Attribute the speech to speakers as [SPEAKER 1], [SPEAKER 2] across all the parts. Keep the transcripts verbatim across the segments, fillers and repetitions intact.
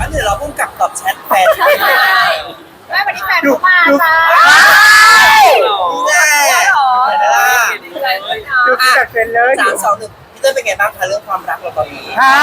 [SPEAKER 1] นเดี๋ยวเราพุ่งกลับตอบแชทแฟน
[SPEAKER 2] ใช่แม่วันนี้แฟนเขามาจ้า
[SPEAKER 1] แน่เห็นไหมล่ะ
[SPEAKER 3] ดูจัดเป็นเลย
[SPEAKER 1] สามสองหนึ่งพี่เต้ยเป็นไงบ้างคะเรื่องความรักเราตอนนี้
[SPEAKER 3] ฮะ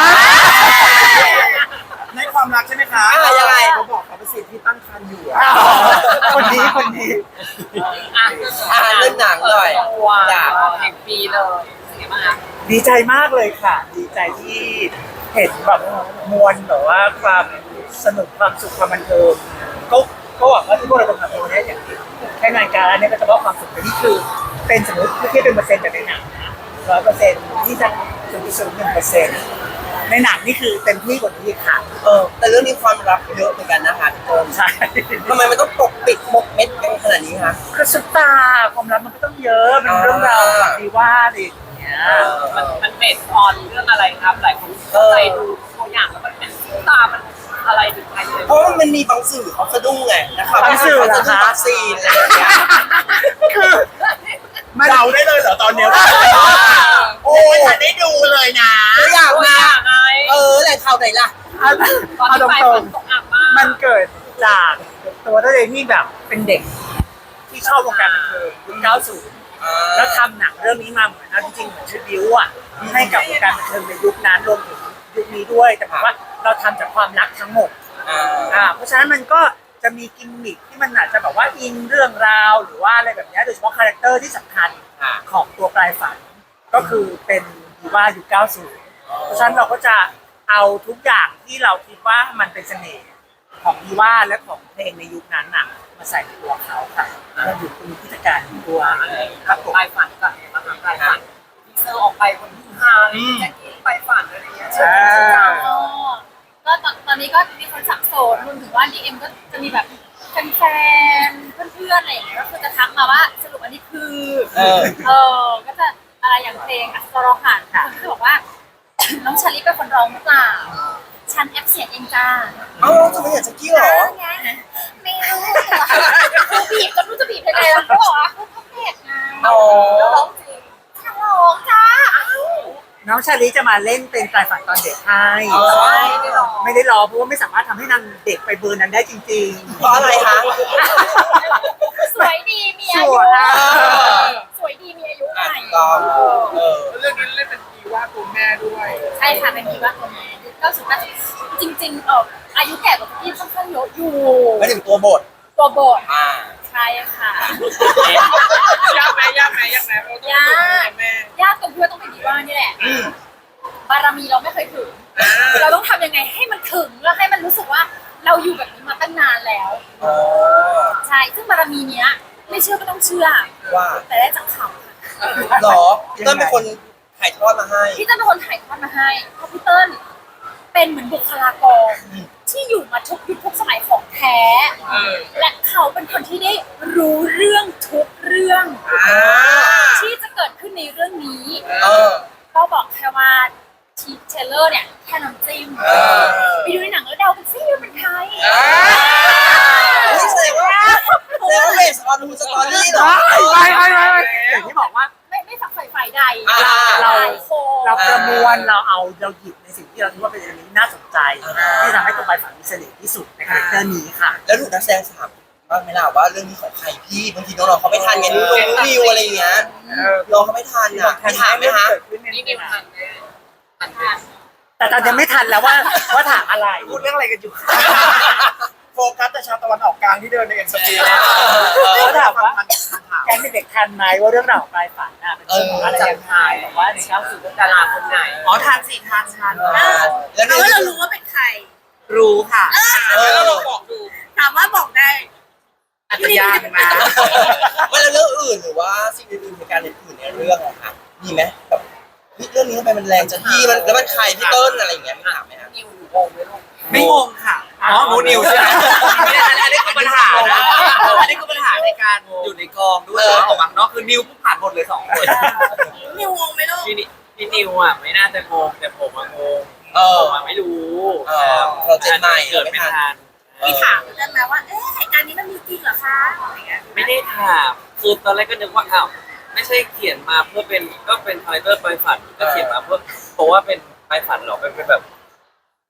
[SPEAKER 4] ในความรักใช่ไหมคะ
[SPEAKER 1] อ่ายังไง
[SPEAKER 4] เขาบอกเขาเป็นสิทธิ์ที่ตั้งครรภ์อยู่อะ
[SPEAKER 3] คนนี้คนนี้
[SPEAKER 1] อ่าเรื่องหนังหน่อย
[SPEAKER 2] ว้า
[SPEAKER 1] จ้ะ
[SPEAKER 2] วแห่งปีเลยเป็นไงบ้างคะ
[SPEAKER 3] ดีใจมากเลยค่ะ ดีใจที่เห็นแบบมวลแบบว่าความสนุกความสุขความบันเทิงก็ก็หวังว่าที่พวกเราทำในวันนี้อย่างที่แค่งานการเนี่ยก็จะมอบความสุขแต่นี่คือเป็นสมมติที่เป็นเปอร์เซ็นต์แบบในหนังนะร้อยเปอร์เซ็นต์ที่จะศูนย์จุดศูนย์หนึ่งเปอร์เซ็นต์ในหนังนี่คือเต็มที่กว่านี้ค่ะ
[SPEAKER 1] เออแต่เรื่องนี้ความรักเยอะเหมือนกันนะคะพี่เต้ย
[SPEAKER 3] ใช่
[SPEAKER 1] ทำไมมันต้องปกปิดหมกเม็ดกันขนาดนี้คะ
[SPEAKER 3] คือสุดตาความรักมันก็ต้องเยอะเป็นเรื่องราวแบบดีว่าอะไรอย่างเงี้ย
[SPEAKER 2] มันมันเบสออนเรื่องอะไรครับหลายคนเข้าใจดูตัวอย่างแล้วมันเป็นตามันอะไรถึงใครเลย
[SPEAKER 1] เพราะว่ามันมีบางสื่อเขาสะดุ้งไงนะครับ
[SPEAKER 3] บางสื่อเหรอคะ
[SPEAKER 1] วัคซีนอะไรอย่างเงี้ย
[SPEAKER 3] คือ
[SPEAKER 4] เดาได้เลยเหรอตอนเนี้ย
[SPEAKER 1] โอ้
[SPEAKER 4] ไม่ทันได้ดูเลยนะ
[SPEAKER 1] ตัวอย่าง
[SPEAKER 2] ตัว
[SPEAKER 1] มา
[SPEAKER 2] อย่างไง
[SPEAKER 1] เออแหล่งข่าวไหนล่ะ
[SPEAKER 3] เอา
[SPEAKER 2] ตอน
[SPEAKER 3] เอา
[SPEAKER 2] ที่
[SPEAKER 3] ต
[SPEAKER 2] ไป
[SPEAKER 3] ร
[SPEAKER 2] ฝ
[SPEAKER 3] ง
[SPEAKER 2] นตกหนักมาก
[SPEAKER 3] ๆมันเกิดจากตัวตัวเองที่แบบเป็นเด็ก ที่ชอบวงการบันเทิงยุคเก้าสิบแล้วทำหนังเรื่องนี้มาเหมือนเอาจริงๆเหมือนทริบิวอ่ะให้กับวงการบันเทิงในยุคนั้นรวมถึงยุคนี้ด้วย แต่ผมว่าเราทำจากความรักทั้งหมด
[SPEAKER 1] อ่า
[SPEAKER 3] อ่าเพราะฉะนั้นมันก็จะมีกิมมิคที่มันอาจจะแบบว่าอิงเรื่องราวหรือว่าอะไรแบบเนี้ยโดยเฉพาะคาแรคเตอร์ที่สำคัญ
[SPEAKER 1] อ่า
[SPEAKER 3] ของตัวปลายฝันก็คือเป็นดีว่ายุคเก้าสิบเพราะฉะนั้นเราก็จะเอาทุกอย่างที่เราคิดว่ามันเป็นเสน่ห์ของดีว่าและของเพลงในยุคนั้นน่ะมาใส่ในตัวเขาค่ะเราอยู่คุณพิธีการตัวครับผม
[SPEAKER 2] ไปฝันก่อนมาหาไปฝันทีเซอร์ออกไปคนที่ฮาเลยแจ็คกี้ไปฝันอะไรเงี้ย
[SPEAKER 3] อ่า
[SPEAKER 5] อ๋อก็ตอนตอนนี้ก็มีคนสับสนรวมถึงว่า ดี เอ็ม ก็จะมีแบบแฟนๆเพื่อนๆอะไรอย่างเงี้ยก็คือจะทักมาว่าสรุปอันนี้คือ
[SPEAKER 1] เออ
[SPEAKER 5] เออก็จะอะไรอย่างเพลงอัศรหันค่ะคือบอกว่า น้องชาลิเป็นคนร้องหรือเปล่าฉันแอปเสียงเองจ้า
[SPEAKER 1] เอ้าจะไม่อยากจะกี้เหรอ
[SPEAKER 5] ไงไม่รู้คือบีบจนรู้จะบีบยังไงแล้วก็บอกว่าคือพับเพจไง
[SPEAKER 1] อ๋อ
[SPEAKER 5] แล้วร้องจริงฉันร้องจ้า
[SPEAKER 3] น้องชาลิจะมาเล่นเป็นปลายฝันตอนเด็กให้
[SPEAKER 1] อ๋อ
[SPEAKER 5] ใช่ไม่ร้อง
[SPEAKER 3] ไม่ได้รอเพราะว่าไม่สามารถทำให้นางเด็กไปเบอร์นั้นได้จริงๆ
[SPEAKER 1] เพราะอะไรคะ
[SPEAKER 5] สวยดีมีอายุ
[SPEAKER 3] สวยอ่ะ
[SPEAKER 5] สวยดีมีอายุให
[SPEAKER 1] อ่ะ
[SPEAKER 5] ม่
[SPEAKER 1] ถูกต้องเออ
[SPEAKER 4] เรื่องนี้เล่นเป็นดีว่าตัวแม่ด้วย
[SPEAKER 5] ใช่ค่ะเป็นดีว่าตัวแม่ก็สุดท้ายจริงๆเอออายุแก่กว่าพี่ค่อนข้างเยอะอยู่
[SPEAKER 1] ไม่ถึงตัวบท
[SPEAKER 5] ตัวบท
[SPEAKER 1] อ่า
[SPEAKER 5] ใช่ค่ะ
[SPEAKER 4] ยากไหมยากไหมยากไหมเพราะต้อง
[SPEAKER 5] ยา
[SPEAKER 4] เป็น
[SPEAKER 5] ก
[SPEAKER 4] แม่
[SPEAKER 5] ยากตรงที่ว่าต้องเป็นดีว่านี่แหละบารมีเราไม่เคยถึง เราต้องทำยังไงให้มันถึงแล้วให้มันรู้สึกว่าเราอยู่แบบนี้มาตั้งนานแล้ว
[SPEAKER 1] อ๋อ
[SPEAKER 5] ใช่ซึ่งบารมีเนี้ยไม่เชื่อก็ต้องเชื่อ
[SPEAKER 1] ว่า
[SPEAKER 5] แต่ได้จากเขาค่ะ
[SPEAKER 1] หรอพี่เต้ยเป็นคนถ่ายทอดมาให้
[SPEAKER 5] พี่เติ้ลเป็นคนถ่ายทอดมาให้เพราะพี่เติ้ลเป็นเหมือนบุคลากรที่อยู่มาทุกยุคทุกสมัยของแท้ และเขาเป็นคนที่ได้รู้เรื่องทุกเรื่อง
[SPEAKER 1] อ่า
[SPEAKER 5] ที่จะเกิดขึ้นในเรื่องนี้
[SPEAKER 1] เออ
[SPEAKER 5] ก็บอกแค่ว่าทีเทเลอร์เนี่ยแค่น้ำจิ้ม
[SPEAKER 1] เออ
[SPEAKER 5] ไปดูในหนังแล้วเดาเป็นซี่ว่าเป็นใคร
[SPEAKER 1] อ่าเฮ้ยแสดงว่าแสดงว่าเบสออนทูสตอรี่เหรอ
[SPEAKER 3] ไม่ไม่ไม่ไม่อย่างที่บอกว่า
[SPEAKER 5] ไม่ไม่ฝักใฝ่ฝ่ายใด
[SPEAKER 1] อ่า
[SPEAKER 3] เรา
[SPEAKER 5] หลายคน
[SPEAKER 3] เราประมวลเราเอาเราหยิบในสิ่งที่เราคิดว่าเป็นอันนี้น่าสนใจ
[SPEAKER 1] อ่า
[SPEAKER 3] ที่ทำให้ตัวปลายฝันมีเสน่ห์ที่สุดในคาแรคเตอร์นี้ค่ะ
[SPEAKER 1] แล้วถูกนักแสดงถามบ้างไหมล่ะว่าเรื่องนี้ของใครพี่บางทีน้องๆเขาไม่ทันไงนุ้งนิวอะไรอย่างเงี้ยน้องเขาไม่ทันอ่ะไม่ถามไหมฮะ
[SPEAKER 2] นี่นิวทันแม่ทัน
[SPEAKER 5] ค่ะ
[SPEAKER 3] แต่ตอนยังไม่ทันแล้วว่าว่าถามอะไร
[SPEAKER 4] พูดเรื่องอะไรกันอยู่ โฟกัสแต่ชาวตะวันออกกลางที่เดินในเอ็นสปี
[SPEAKER 3] เขาถามว่า
[SPEAKER 4] พันถาม
[SPEAKER 3] แกงเด็กๆทันไหมว่าเรื่องราวของปลายฝันน่ะเป็นเรื่องของอะไรยังไงบอกว่าในเก้าสิบ
[SPEAKER 2] ดาราคนไหน
[SPEAKER 4] อ๋อทานสี่ทานทาน
[SPEAKER 1] เออแล้ว
[SPEAKER 5] เอา
[SPEAKER 1] เรื่อง
[SPEAKER 5] ว่าเรารู้ว่าเป็นใคร
[SPEAKER 4] รู้ค่ะ
[SPEAKER 1] เออ
[SPEAKER 4] แล้วเราบอกดู
[SPEAKER 5] ถามว่าบอกได้
[SPEAKER 4] อาจจะยากนะ
[SPEAKER 1] ไม่แล้วเรื่องอื่นหรือว่าสิ่งอื่นๆในการอื่นในเรื่องอะค่ะมีไหมแบบเฮ้ยเรื่องนี้ทำไมมันแรงจังพี่มันแล้วมันใครพี่เติ้ลอะไรอย่างเงี้ยไม่ถามไหมฮะ
[SPEAKER 2] นิวงงไหมลูก
[SPEAKER 4] ไม่งงค่ะ อ๋อมูนิวใช่ไหมอันนี้คือปัญหานะอันนี้คือปัญหาในการอยู่ในกองด้วยออกมาเนาะคือนิวผู้ผ่านหมดเลยสองคน
[SPEAKER 5] นิวงงไหมลูก
[SPEAKER 6] พี่นิพี่นิวอ่ะไม่น่าจะงงแต่ผมอะงง
[SPEAKER 1] เออ
[SPEAKER 6] ผมอะไม่รู้
[SPEAKER 1] เออเราเจนใหม่
[SPEAKER 6] เกิดไม่ทัน
[SPEAKER 5] พี่ถามได้ไหมว่า เอ๊ะเหตุการณ์นี้มันมีจริงเหรอคะอะไรเงี้ย
[SPEAKER 6] ไม่ได้ถามคือตอนแรกก็นึกว่าอ้าวไม่ใช่เขียนมาเพื่อเป็นก็เป็นคาแรคเตอร์ไปฝันก็เขียนมาเพื่อเพราะว่าเป็นไปฝันหรอกเป็นเป็นแบบ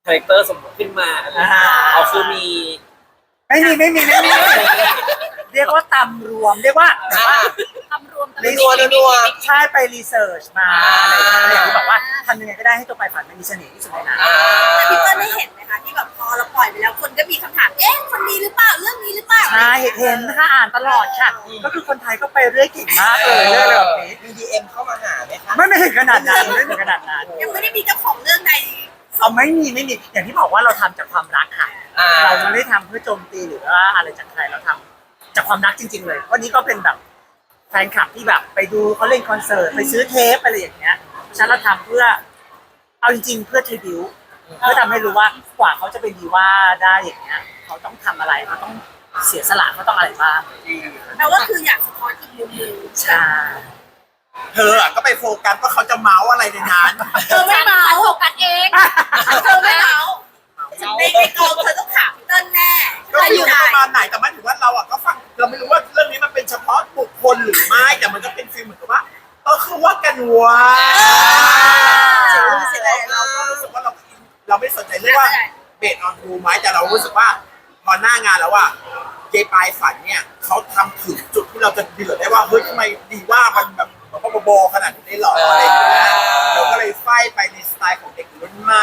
[SPEAKER 6] คาแรคเตอร์สมมติขึ้นมาเอาคือมี
[SPEAKER 3] ไม่มีไม่มีไม่มีเรียกว่าตำรวมเรียกว่า
[SPEAKER 1] อ่า
[SPEAKER 5] ทำรวม
[SPEAKER 3] รี
[SPEAKER 1] นัวนัว
[SPEAKER 3] ใช่ไปรีเสิร์ชมาอะไรอย่างเงี้ยที่บอกว่าทำยังไงก็ได้ให้ตัวไปฝันมันมีเสน่ห์ที่สุดในนั้น
[SPEAKER 1] อ่า
[SPEAKER 7] แต่พี่เปิ้ลได้เห็นไหมคะที่แบบพอเราปล่อยไปแล้วคนก็มีคำถามเอ๊ะคนนี้หรือเปล่าเรื่องนี้หรือเปล่า
[SPEAKER 3] ใช่เห็นค่ะอ่านตลอดค่ะ ก็คือคนไทยก็ไปเรื่อยเก่งมากเลยเรื่องแบบนี้
[SPEAKER 1] มีดีเอ็มเข้ามาหาไหมคะ
[SPEAKER 3] ไม่ไม่ถึงขนาดนั้นไม่ถึงขนาดนั้น
[SPEAKER 7] ยังไม่ได้มีเจ้าของเรื่องใด
[SPEAKER 3] เอาไม่มีไม่มีอย่างที่บอกว่าเราทำจากความรักค่ะ
[SPEAKER 1] อ่า
[SPEAKER 3] เราไม่ได้ทำเพื่อโจมตีหรือว่าอะไรจากใครเราทำจากความรักจริง ๆ เลยวันนี้ก็เป็นแบบแฟนคลับที่แบบไปดูเขาเล่นคอนเสิร์ตไปซื้อเทปอะไรอย่างเงี้ยฉะนันเราทำเพื่อเอาจริงๆเพื่อทริบิวเพื่อทำให้รู้ว่ากว่าเขาจะเป็นดีว่าได้อย่างเงี้ยเขาต้องทำอะไรเขาต้องเสียสละเขาต้องอะไรบ้าง
[SPEAKER 7] แปลว่าคืออยากสะท้อนอีกมุมหนึง
[SPEAKER 3] ใช่
[SPEAKER 8] เธออะก็ไปโฟกัสว่าเขาจะเมาส์อะไรในนั้น
[SPEAKER 7] เธอไม่เมา
[SPEAKER 5] โฟกัสเอง
[SPEAKER 7] เธอไม่เมาในในกองเธอต้องถามพี่เติ้ลแน่
[SPEAKER 8] ก็ไม่รู้ประมาณไหนแต่ไม่ถือว่าเราอะก็ฟังเราไม่รู้ว่าเรื่องนี้มันเป็นเฉพาะบุคคลหรือไม่แต่มันก็เป็นฟีลเหมือนกับว่าเออเขาว่ากันว่าเสร็จแล้วเราก็รู้สึกว่าเราเราไม่สนใจเรื่องว่าเบสออนทูไหมแต่เรารู้สึกว่าพอหน้างานแล้วว่าเจปลายฝันเนี่ยเขาทำถึงจุดที่เราจะเดือดได้ว่าเฮ้ยทำไมดีว่ามันแบบมันก็โบขนาดนี้หรออะไรอย่างเงี้ยเราก็เลยไฟไปในสไตล์ของเด็กรุ่นใหม่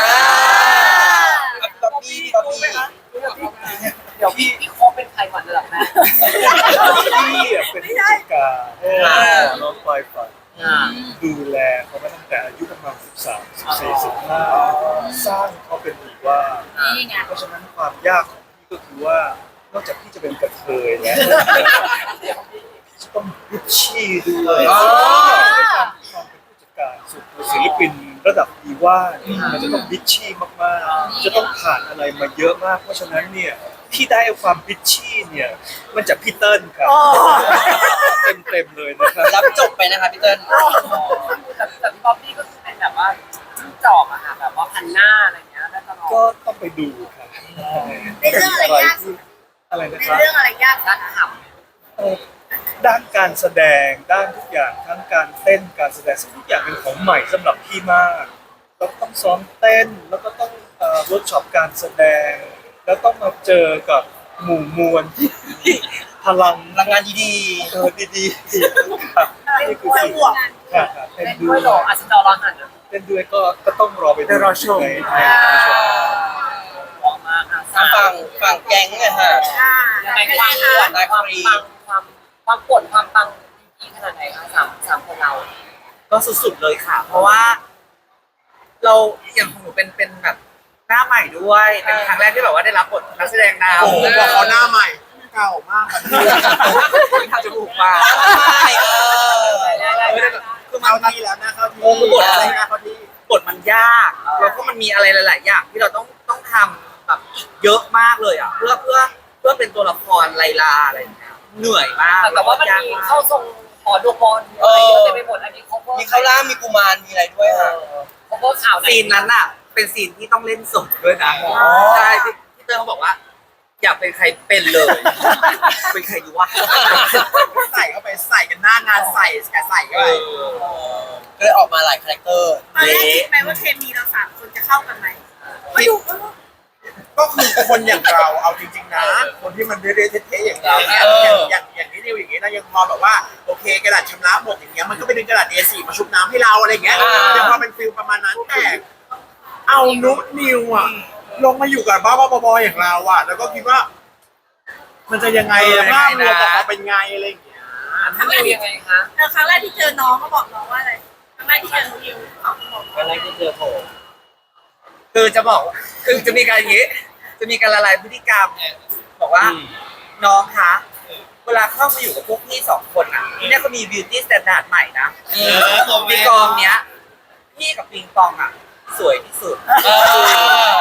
[SPEAKER 1] บ๊อบบี้บ๊อบบี้
[SPEAKER 2] เดี๋ยวพี่พี่โคกเป็นใครก่อนเลยเหรอแม่
[SPEAKER 9] พี่อะเป็นผู้จัดการน้องปลายฝันดูแลเขามาตั้งแต่อายุประมาณสิบสาม สิบสี่ สิบห้าสร้างเขาเป็นดีว่า
[SPEAKER 5] นี่ไง
[SPEAKER 9] เพราะฉะนั้นความยากของพี่ก็คือว่านอกจากพี่จะเป็นกระเทยแล้วพี่จะต้องริชชี่ด้วยด้วยการความเป็นผู้จัดการสุดศิลปินระดับดีว่าเนี่ยมันจะต้องริชชี่มากๆจะต้องผ่านอะไรมาเยอะมากเพราะฉะนั้นเนี่ยที่ได้ความริชชี่เนี่ยมันจากพี่เติ้ลครับเต็มๆเลยนะครับ
[SPEAKER 1] รับจบไปนะคะพี่เติ้ล
[SPEAKER 2] แต่แต่พี่บ๊อบบี้ก็คือเป็นแบบว่าจิ้งจอกอะค่ะแบบว่าพันหน้าอะไรเงี้ยได้ตลอด
[SPEAKER 9] ก็ต้องไปดูครับ
[SPEAKER 7] ในเรื่องอะไรยากสุด
[SPEAKER 9] อะไรนะ
[SPEAKER 7] ใน
[SPEAKER 9] ครับ
[SPEAKER 7] เรื่องอะไรยากสุ
[SPEAKER 2] ด้า
[SPEAKER 7] ด
[SPEAKER 2] นข
[SPEAKER 9] เอ่อด้านการแสดงด้านทุกอย่างทั้งการเต้นการแสดงซึ่งทุกอย่างเป็นของใหม่สำหรับพี่มากเราต้องซ้อมเต้นแล้วก็ต้องเอ่อเวิร์กช็อปการแสดง แล้วต้องมาเจอกับหมู่มวลที่พลัง
[SPEAKER 1] พลังงานดี
[SPEAKER 9] เออดีๆครับนี่คือสิ่ง
[SPEAKER 7] บวก
[SPEAKER 9] ครับครับ
[SPEAKER 2] ำ
[SPEAKER 9] เต้น
[SPEAKER 2] เล่น
[SPEAKER 9] ด้
[SPEAKER 2] ด้
[SPEAKER 9] ว
[SPEAKER 2] วย ยเหรออาจจะจอรอหันนะ
[SPEAKER 9] เต้นด้วยก็ก็ต้องรอไป
[SPEAKER 3] เดี๋ยวรอชม
[SPEAKER 9] ในในชม
[SPEAKER 2] มองมาค่ะ
[SPEAKER 1] ๆทางฝั่งฝั่งแก๊งเนี่ยค่ะ
[SPEAKER 7] อ่า
[SPEAKER 2] ยังไงความปวดความปังความความปวดความปังดีขนาดไหนคะสามสามคนเรา
[SPEAKER 4] ก็สุดๆเลยค่ะ เพราะว่า เราอย่างของหนูเป็นเป็นแบบหน้าใหม่ด้วยเป็นครั้งแรกที่แบบว่าได้รับบทนักแสดงนำ
[SPEAKER 8] โอ้โหบอกเขาหน้าใหม่เก่ามากครับ
[SPEAKER 4] ทำจมูกมา
[SPEAKER 1] ไม่เออ
[SPEAKER 4] คือมัน
[SPEAKER 8] เข้าที่แล้วนะเข้าที่
[SPEAKER 4] โอ้คือบทอะไร
[SPEAKER 8] นะเข้าที่
[SPEAKER 4] บทมันยากแล้วก็มันมีอะไรหลาย ๆ อย่างที่เราต้องต้องทำแบบอีกเยอะมากเลยอ่ะเพื่อเพื่อเพื่อเป็นตัวละครไลลาอะไรอย่างเงี้ยเหนื่อยมาก
[SPEAKER 2] แต่ว่ามันมีเข้าทรงหอดูบอลอะไรเยอะเต็มไปหมดอันนี้เขาก็
[SPEAKER 1] มีข้าวล่างมีกุมารมีอะไรด้วยค่ะ
[SPEAKER 2] เขาก็ข่าวไหน
[SPEAKER 4] ซีนนั้นอ่ะ เป็นซีนที่ต้องเล่นสดด้วยนะใช่ที่ที่เตอร์เขาบอกว่า อยากเป็นใครเป็นเลย เป็นใครดีวะ
[SPEAKER 8] ใส่เข้าไปใส่กันหน้างานใส่แกใส่เข้าไป
[SPEAKER 1] ก็เลยออกมาหลายคาแรคเตอร์
[SPEAKER 7] ตอนแรกคิดไหมว่าเคมีเราสามคนจะเข้ากันไหมมาดูเออ
[SPEAKER 8] ก็คือคนอย่างเราเอาจริงๆนะ คนที่มันเรื่อยๆเท่ๆอย่างเราเนี่ยอย่างอย่างอย่างนี้ดิวอย่างนี้นะยังพอแบบว่าโอเคกระดาษชำระหมดอย่างเงี้ยมันก็ไปดึงกระดาษ เอ สี่ มาชุบน้ำให้เราอะไรอย่างเงี้ยยังพอเป็นฟิลประมาณนั้นแต่เอานุ๊กนิวอ่ะลงมาอยู่กับบ้าๆบอๆอย่างเราอ่ะ แล้วก็คิดว่า มันจะยังไงภาพรวมออกมาเป็นไงอะไรอย่างเงี้ย
[SPEAKER 2] ทำยังไงคะ
[SPEAKER 7] แต่ครั้งแรกที่เจอน้องก็บอกน้องว่าอะไรครั้งแรกที่เจอนิวเขาบอกว่า
[SPEAKER 6] อะไรที่เจอโผล่
[SPEAKER 4] คือจะบอกคือจะมีการอย่างนี้ จะมีการละลายพฤติกรรมบอกว่า น้องคะ เวลาเข้ามาอยู่กับพวกพี่สองคนอ่ะที่เนี่ยเขามี beauty standard ใหม่นะในกองเนี้ย พี่กับปิงปองอ่ะ สวยที่สุด
[SPEAKER 1] เออ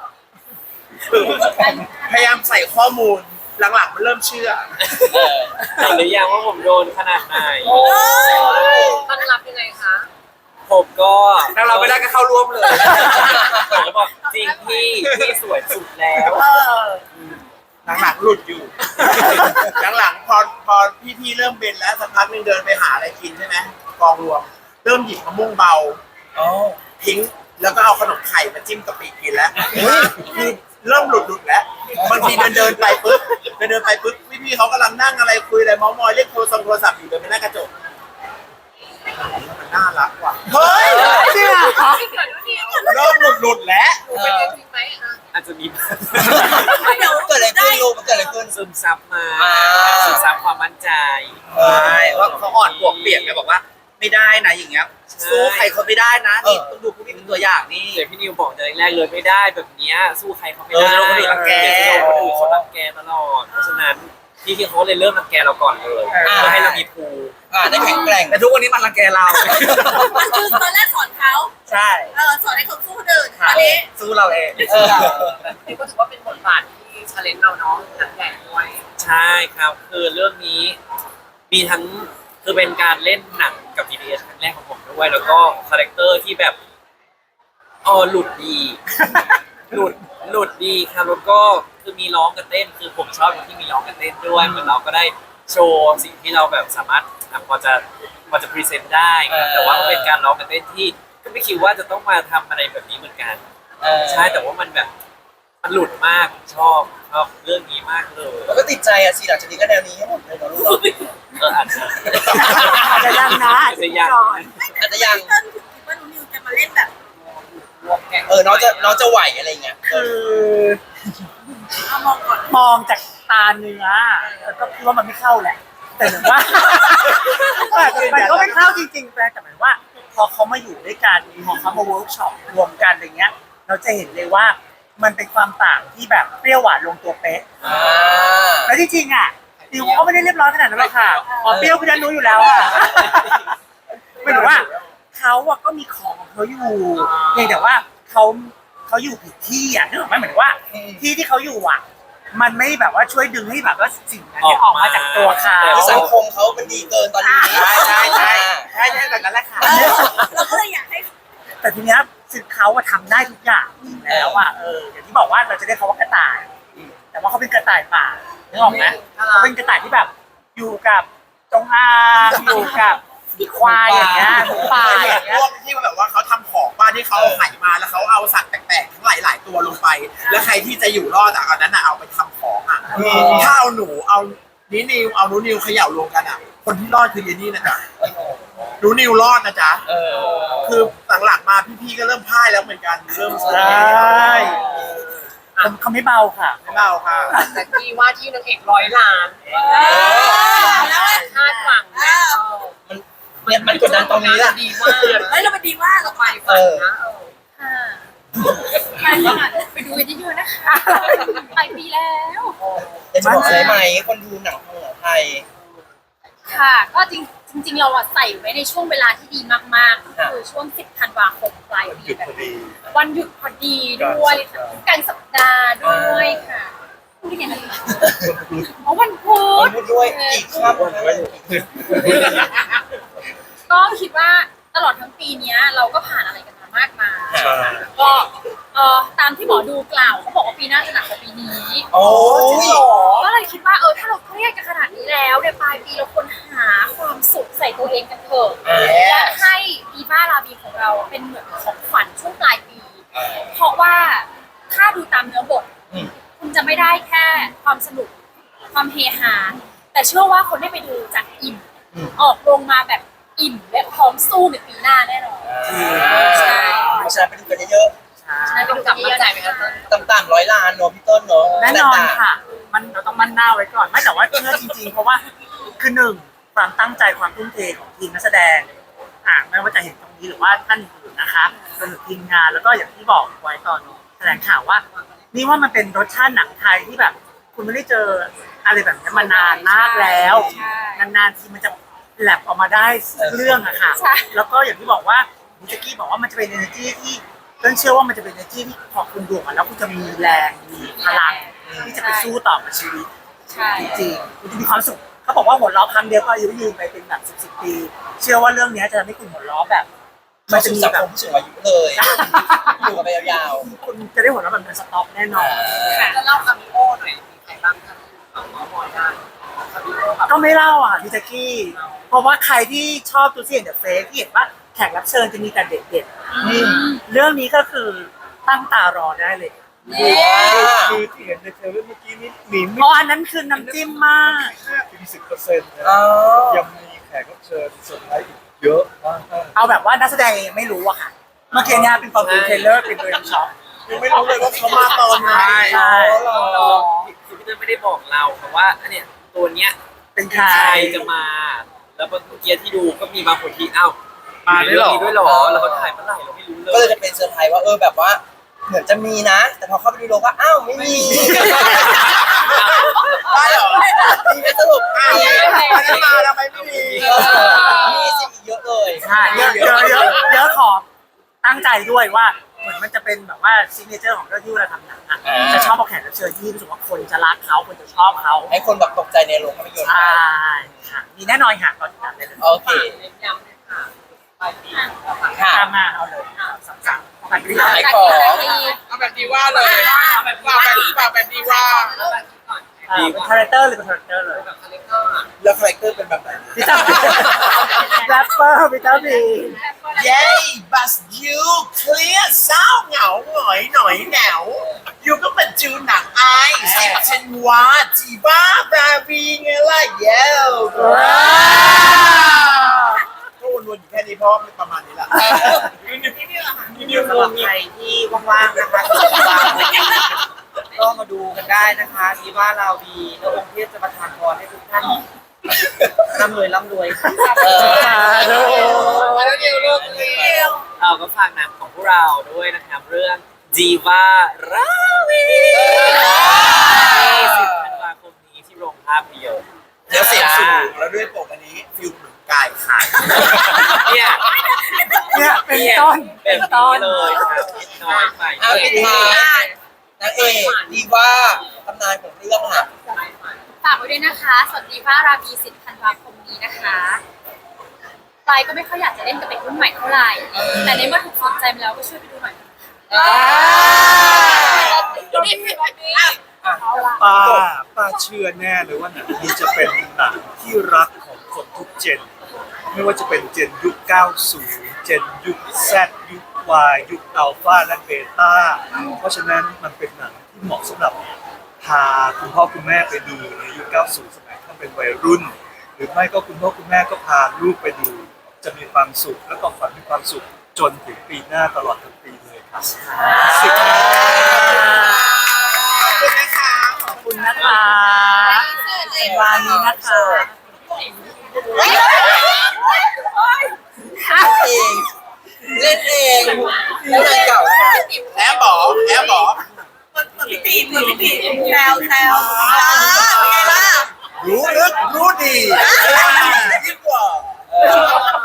[SPEAKER 8] พยายามใส่ข้อมูลหลังๆมันเริ่มเชื่อ
[SPEAKER 1] เออ
[SPEAKER 6] เห็นหรือยังว่าผมโดนขนาดไหน
[SPEAKER 2] ต้อนรับยังไงคะ
[SPEAKER 6] ผมก็
[SPEAKER 4] แล้วเราไม่ได้ก็เข้าร่วมเลย
[SPEAKER 6] ผมก็บอกจริงพี่พี่สวยสุดแล้ว
[SPEAKER 7] เออ
[SPEAKER 8] หลังๆหลุดอยู่ หลังๆพอพอพี่ๆเริ่มเป็นแล้วสักพักหนึงเดินไปหาอะไรกินใช่ไหมกองรวม เริ่มหยิบมะม่วงเบา
[SPEAKER 1] อ๋อ
[SPEAKER 8] ทิ้งแล้วก็เอาขนมไข่มาจิ้มกะปิกินแล้วคือเริ่มหลุดหลุดแล้วบางทีเดินเดินไปปุ๊บเดินเดินไปปุ๊บพี่ๆเขากำลังนั่งอะไรคุยอะไรเมาท์มอยเรียกโทรศัพท์โทรศัพท์อยู่เดินไปหน้ากระจกมันน่ารักว่ะเฮ้ยเนี่ย
[SPEAKER 2] ที่เกิดด้วยนี่
[SPEAKER 8] เริ่มหลุดหลุดแล้ว
[SPEAKER 2] หนูเป็นยังจริงไหมอ่ะ
[SPEAKER 6] อาจจะมี
[SPEAKER 7] เดี๋ยว
[SPEAKER 1] เกิดอะไรขึ้นลูกมันเกิดอะไรขึ้น
[SPEAKER 6] ซึมซับมา
[SPEAKER 1] อ่า
[SPEAKER 6] ซึมซับความมั่นใจ
[SPEAKER 4] ใช่ว่าเขาอ่อนปวกเปียกเลยบอกว่า ไม่ได้นะอย่างเงี้ยสู้ใครเขาไม่ได้นะนี่ต้องดูพวกนี้เป็นตัวอย่างนี่
[SPEAKER 6] เดี๋ยวพี่นิวบอกแต่แรกๆเลยไม่ได้แบบเนี้ยสู้ใครเขาไม่
[SPEAKER 4] เออ
[SPEAKER 6] ได้
[SPEAKER 4] เราคนอื่นรังแก
[SPEAKER 6] เดี๋ยวคนอื่นเขารังแกตลอดเพราะฉะนั้นพี่ที่เขาเลยเริ่มรังแกเราก่อนเลยเพื่อให้เรามีภูมิ
[SPEAKER 1] อ่าได้แข็งแกร่ง
[SPEAKER 4] แต่ทุกวันนี้มันรังแกเรา
[SPEAKER 7] มันคือตอนแรกสอนเขา
[SPEAKER 4] ใช่
[SPEAKER 7] เออสอนให้เขาสู้คนอื่นตอนนี้
[SPEAKER 4] สู้เราเอง
[SPEAKER 1] เออ
[SPEAKER 2] นี่ก็ถือว่าเป็นบทบาทที่ชาเลนจ์เราเนาะหนักใหญ่ด้วย
[SPEAKER 6] ใช่ครับคือเรื่องนี้มีทั้งคือเป็นการเล่นหนังกับ พี บี เอส ครั้งแรกของผมด้วย แล้วก็คาแรคเตอร์ที่แบบอ๋อหลุดดี หลุดหลุดดีครับแล้วก็คือมีร้องกับเต้น คือผมชอบที่มีร้องกับเต้นด้วยเหมือนเราก็ได้โชว์สิ่งที่เราแบบสามารถอ่ะพอจะพอจะพรีเซนต์ได้ครับแต่ว่าก็เป็นการร้องกับเต้นที่ก็ไม่คิดว่าจะต้องมาทำอะไรแบบนี้เหมือนกัน
[SPEAKER 1] เออ
[SPEAKER 6] ใช่แต่ว่ามันแบบมันหลุดมากชอบชอบเรื่องนี้มากเลย
[SPEAKER 1] แล้วก็ติดใจอ่ะสิหลังจากนี้ก็แนวนี้ให้หมดเลยเนาะลูกเนาะ
[SPEAKER 6] เอออาจจะ
[SPEAKER 3] อาจจะยังนะ
[SPEAKER 6] อาจจะยัง
[SPEAKER 3] ก่อน
[SPEAKER 1] อาจจะยัง
[SPEAKER 7] เต้นคิดว่าหนูนิวจะมาเล่นแบบ
[SPEAKER 2] รวมแกง
[SPEAKER 1] เออน้องจะน้องจะไหวอะไรเงี้ยเอ
[SPEAKER 3] คือ อ
[SPEAKER 7] เอามองก่อน
[SPEAKER 3] มองจากตาเนื้อแล้วก็คิดว่ามันไม่เข้าแหละ แต่เหมือนว่า มันก็ไม่เข้าจริงๆแต่หมายว่า พอเขามาอยู่ด้วยกันพอเขามาเวิร์กช็อปรวมกันอะไรเงี้ย เราจะเห็นเลยว่ามันเป็นความต่างที่แบบเปรี้ยวหวานลงตัวเป๊ะ
[SPEAKER 1] อ่า
[SPEAKER 3] แล้วจริงๆอ่ะดิวเขาไม่ได้เรียบร้อยขนาดนั้นหรอกค่ะอ๋อเปรี้ยวพี่ดันรู้อยู่แล้วอ่ะไม่รู้ว่าเขาอะก็มีของของเขาอยู่เพียงแต่ว่าเขาเขาอยู่ผิดที่อ่ะนึกออกไหมเหมือนว่า ที่ที่เขาอยู่อ่ะ มันไม่แบบว่าช่วยดึงให้แบบว่าสิ่งนั้นเนี่ยออกมาจากตัวเขา
[SPEAKER 1] คือสังคมเขามันดีเกินตอนนี้
[SPEAKER 4] ใช่ใช่ใช่ใช่ใช่แบบนั้นแหละค่ะ
[SPEAKER 7] เออเราก็เลยอยากให้
[SPEAKER 3] แต่ทีเนี้ยสิ่งเขาอะทำได้ทุกอย่างจริงแล้วอ่ะเอออย่างที่บอกว่าเราจะเรียกเขาว่ากระต่าย แต่ว่าเขาเป็นกระต่ายป่านึกออกไหมเขาเป็นกระต่ายที่แบบ อยู่กับจงอางอยู่กับควายอย่างเงี้ยหมูป่า
[SPEAKER 8] พ
[SPEAKER 3] อย่างเงี้ยว
[SPEAKER 8] กที่แบบว่าเขาทำของบ้านที่เขาเอาไข่มาแล้วเขาเอาสัตว์แปลกๆทั้งหลายๆตัวลงไป แล้วใครที่จะอยู่รอดจากอันนั้นอ่ะเอาไปทำของอ่ะถ้าเอาหนูเอานินิวเอาหนูนิวเขย่ารวมกันอ่ะ คนที่รอดคือเยนี่นะจ๊ะหนูนิวรอดนะจ๊ะ
[SPEAKER 1] เออ
[SPEAKER 8] คือหลังๆมาพี่ๆก็เริ่มพ่ายแล้วเหมือนกันเริ่ม
[SPEAKER 3] ใช่เขาเขาไม่เบาค่ะ
[SPEAKER 8] ไม่เบาค่ะ
[SPEAKER 2] แต่กี้ว่าที่นางเอกร้อยล้าน
[SPEAKER 7] เออแล้ว
[SPEAKER 2] คาดหวัง
[SPEAKER 7] เอ
[SPEAKER 2] นะ
[SPEAKER 7] อ
[SPEAKER 1] เนี่ยมันกดดันตรงนี้แหละ
[SPEAKER 2] ดีมาก
[SPEAKER 7] เฮ้ยเราเป็นดีมากเราไป
[SPEAKER 2] ฝันนะเออ
[SPEAKER 5] ค่ะใช่ค่ะไปดูกันเยอะๆนะคะปลายปีแล้ว
[SPEAKER 1] แต่จะบอกอะไรไหมคนดูหนังของหนังไทย
[SPEAKER 5] ค่ะ ก็จริงจริง ๆ เราอะใส่ไว้ในช่วงเวลาที่ดีมากๆก็คือช่วงสิบธันวาคมปลายปี
[SPEAKER 9] หยุด
[SPEAKER 5] แบ
[SPEAKER 9] พ
[SPEAKER 5] บ
[SPEAKER 9] อดี
[SPEAKER 5] วันหยุดพอดีด้วยค่ะกลางสัปดาห์ด้วยค่ะพูดได้ไงนะอ๋อวันพุ
[SPEAKER 1] คน
[SPEAKER 5] ธ
[SPEAKER 1] พูดด้วยอีกครับ
[SPEAKER 5] ก็คิดว่าตลอดทั้งปีเนี้ย เราก็ผ่านอะไรกันมามากมาย
[SPEAKER 9] ใช่
[SPEAKER 5] ก็เอ่อตามที่หมอดูกล่าวเขาบอกว่าปีหน้าจะหนักกว่าปีนี้
[SPEAKER 1] โอ้ย
[SPEAKER 5] ก็เลยคิดว่าเออถ้าเราเครียดกันขนาดนี้แล้วในปลายปีเราควรหาความสุขใส่ตัวเองกันเถอะและให้ดีบ้าลาบีของเราเป็นเหมือนของขวัญช่วงปลายปี เพราะว่าถ้าดูตามเนื้อบท คุณจะไม่ได้แค่ความสนุกความเฮฮาแต่เชื่อว่าคนได้ไปดูจากอิ่ม ออกโรงมาแบบอิ่มและพร้อมสู้ในปีหน้าแน่นอนใช่
[SPEAKER 1] เพราะฉะนั้นไปดูกันเยอะ
[SPEAKER 5] ใช่
[SPEAKER 2] ต้องกลับมาใจไหมคะเต้น
[SPEAKER 1] ๆต่ำๆร้อยล้านเนาะพี่ต้นเนาะ
[SPEAKER 3] แน่นอนค่ะ มันเราต้องมั่นหน้าไว้ก่อน ไม่แต่ว่าเชื่อจริงๆ เพราะว่าคือหนึ่งความตั้งใจความทุ่มเทของทีมนักแสดงอ่าไม่ว่าจะเห็นตรงนี้หรือว่าท่านอื่นนะคะรวมถึงทีมงานแล้วก็อย่างที่บอกไว้ตอนแถลงข่าวว่า นี่ว่ามันเป็นรสชาติหนังไทยที่แบบ คุณไม่ได้เจออะไรแบบนี้มานานมากแล้ว นานๆทีมันจะแลบออกมาได้เรื่องอะค่ะ แล้วก็อย่างที่บอกว่ามิจกี้บอกว่ามันจะเป็น energy ที่เต้นเชื่อว่ามันจะเป็น energy ที่พอคุณดูมันแล้วคุณจะมีแรงมีพลังที่จะไปสู้ต่อกับชีวิต
[SPEAKER 5] ใช่
[SPEAKER 3] จริงๆคุณจะมีความสุขเขาบอกว่าหัวเราะครั้งเดียวก็อายุยืนไปเป็นแบบสิบสิบปี เชื่อว่าเรื่องนี้จะทำให้คุณหัวเราะแบบ
[SPEAKER 1] มั
[SPEAKER 3] มัน น
[SPEAKER 1] จะ
[SPEAKER 3] จะ
[SPEAKER 1] มี
[SPEAKER 3] มี
[SPEAKER 1] สัง
[SPEAKER 3] แบ
[SPEAKER 1] ค
[SPEAKER 3] บ
[SPEAKER 1] มผู้สูงอายุเลยอยู่กันไปยาว
[SPEAKER 3] คุณจะได้หัวเราะแบบเป็นสต็อกแน่นอน
[SPEAKER 2] จะเล่าคามิโอหน่อยมีใครบ้างคะเอาหมอหมอได้คามิโอแบบ
[SPEAKER 3] ก็ไม่เล่าอ่ะพี่แจ๊กกี้ เพราะว่าใครที่ชอบตูซี่เดอะเฟสที่เห็นว่าแขกรับเชิญจะมีแต่เด็กๆนี่เรื่องนี้ก็คือตั้งตารอได้เลย
[SPEAKER 9] คือที่เห็นในเทรลเลอร์เมื่อกี้นี้มี
[SPEAKER 3] เพ
[SPEAKER 9] ไม่
[SPEAKER 3] ราะอันนั้นคือน้ำจิ้มมาก
[SPEAKER 9] ห้าถึงสิบเปอร์เซ็นต์นะ
[SPEAKER 1] อ๋อ
[SPEAKER 9] ยังมีแขกรับเชิญเซอร์ไพรส์อีกเยอะมาก
[SPEAKER 3] เอาแบบว่านักแสดงยังไม่รู้อะค่ะ เมื่อกี้เนี่ยเป็นตอนดูเทรลเลอร์เป็นตัวช็อป
[SPEAKER 8] ยังไม่รู้เลยว่าเขามาตอนไหน
[SPEAKER 3] ใช่
[SPEAKER 6] เราคือพี่เต้ยไม่ได้บอกเราแต่ว่าอันเนี้ยตัวเนี้ย
[SPEAKER 3] เป็นใคร
[SPEAKER 6] ใครจะมา แล้วเมื่อกี้ที่ดูก็มีบางคนที่อ้าว
[SPEAKER 4] มาด้วยเหรอ
[SPEAKER 6] มีด้วยเหรอแล้วเขาถ่ายเมื่อไหร่เราไม่รู้เล
[SPEAKER 1] ก็เลย
[SPEAKER 6] ย
[SPEAKER 1] จะเป็นเซอร์ไพรส์ว่าเออแบบว่าเหมือนจะมีนะ แต่พอเข้าไปดูโลก็อ้าวไม่มี
[SPEAKER 8] ได้เหรอ
[SPEAKER 1] มีไหมสรุป
[SPEAKER 8] อ้าว
[SPEAKER 1] มี
[SPEAKER 8] ไม่ได้มาทำไมไม่มี
[SPEAKER 1] เออมีสิอีกเยอะเลย
[SPEAKER 3] ใช่เยอะเยอะเยอะเยอะของตั้งใจด้วยว่าเหมือนมันจะเป็นแบบว่าซิกเนเจอร์ของเรื่องที่เวลาทำหนังอะจะชอบเอาแขกรับเชิญที่รู้สึกว่าคนจะรักเขาคนจะชอบเขา
[SPEAKER 1] ให้คนแบบตกใจในโรงภาพยนตร์
[SPEAKER 3] ใช่ค่ะมีแน่นอนค่ะตอนติดตามได้เลย
[SPEAKER 1] โอเค
[SPEAKER 2] เน้นย้ำเลยค่ะปลายปี
[SPEAKER 1] ค่ะ
[SPEAKER 3] ตามมาเอาเลยสามสามสามปี
[SPEAKER 1] ขายของ
[SPEAKER 8] เอาแบบดีว่าเลยฝากแบบฝากแบบดีว่า
[SPEAKER 2] แล้วแบบนี้ก่อน
[SPEAKER 3] เอ่อเป็นคาแรคเตอร์หรือเป็นคาแรคเตอร์เลย
[SPEAKER 2] แบบคาแรคเตอร์อะ
[SPEAKER 8] แล้วคาแรคเตอร์เป็นแบบไหน
[SPEAKER 3] พี่ตั้มแรปเปอร์พี่ตั้มบี
[SPEAKER 8] เย้บัสยูเคลียร์เศร้าเหงาหงอยหน่อยเหงายูก็เป็นจูหนังไอสิบเชนวาจีบ้าบราวีไงล่ะเย้ก็วนๆอยู่แค่นี้เพราะมันประมาณนี้แหละ
[SPEAKER 4] สำหรับใครที่ว่างๆนะคะก็มาดูกันได้นะคะที่ว่าเราดีแล้วองค์เทพจะประทานพรให้ทุกท่านร่ำรวยร่ำรวยค่ะ
[SPEAKER 1] เออ
[SPEAKER 8] มาแล้วเดียวลูกเดียว
[SPEAKER 6] เราก็ฝากหนังของพวกเราด้วยนะครับเรื่อง Diva ราวีสิบธันวาคมนี้ที่โรงภาพยนตร์
[SPEAKER 8] แล้วเสียงสูงแล้วด้วยปกอันนี้ฟิลเหมือนกายขาด
[SPEAKER 6] เนี่ย
[SPEAKER 3] เนี่ยเป็นต้น
[SPEAKER 6] เป็
[SPEAKER 3] เป็น น
[SPEAKER 6] ต้
[SPEAKER 3] ต้
[SPEAKER 6] น
[SPEAKER 3] น
[SPEAKER 6] เลยครับน้อยไป
[SPEAKER 1] เอาปิดท้ายนางเอกดีว่าตำนานของเรื่องค่ะ
[SPEAKER 5] ฝากไว้ด้วยนะคะสวัสดีพระราบีสิบธันวาคมนี้นะคะปลายก็ไม่ค่อยอยากจะเล่นกับเด็กรุ่นใหม่เท่าไหร่ แต่ในเมื่อถูกสนใจมาแล้วก็ช่วยไปดูหน่อยเอาละ
[SPEAKER 9] ป้าป้าเชื่อแน่เลยว่าหนังนี้จะเป็นหนังที่รักของคนทุกเจน ไม่ว่าจะเป็นเจนยุค เก้าสิบ เจนยุค Z ยุค Y ยุคอัลฟาและเบต้า เพราะฉะนั้นมันเป็นหนังที่เหมาะสำหรับพาคุณพ่อคุณแม่ไปดูในยุค เก้าสิบ สมัยท่านเป็นวัยรุ่น หรือไม่ก็คุณพ่อคุณแม่ก็พาลูกไปดู จะมีความสุขและก็ฝันมีความสุขจนถึงปีหน้าตลอดทั้งปีเลยครับ
[SPEAKER 8] ขอบคุณนะคะ
[SPEAKER 3] ขอบคุณนะคะเป็นวานี้นะคะ
[SPEAKER 1] เองเล่นเองเล่นเก่านะคะ
[SPEAKER 8] แอบบอกแอบบอก
[SPEAKER 7] พี่ตีมือพี่ตีแซวแซวเป็นไงล่ะ
[SPEAKER 8] รู้ลึกรู้ดียิ่งกว่า
[SPEAKER 1] เออ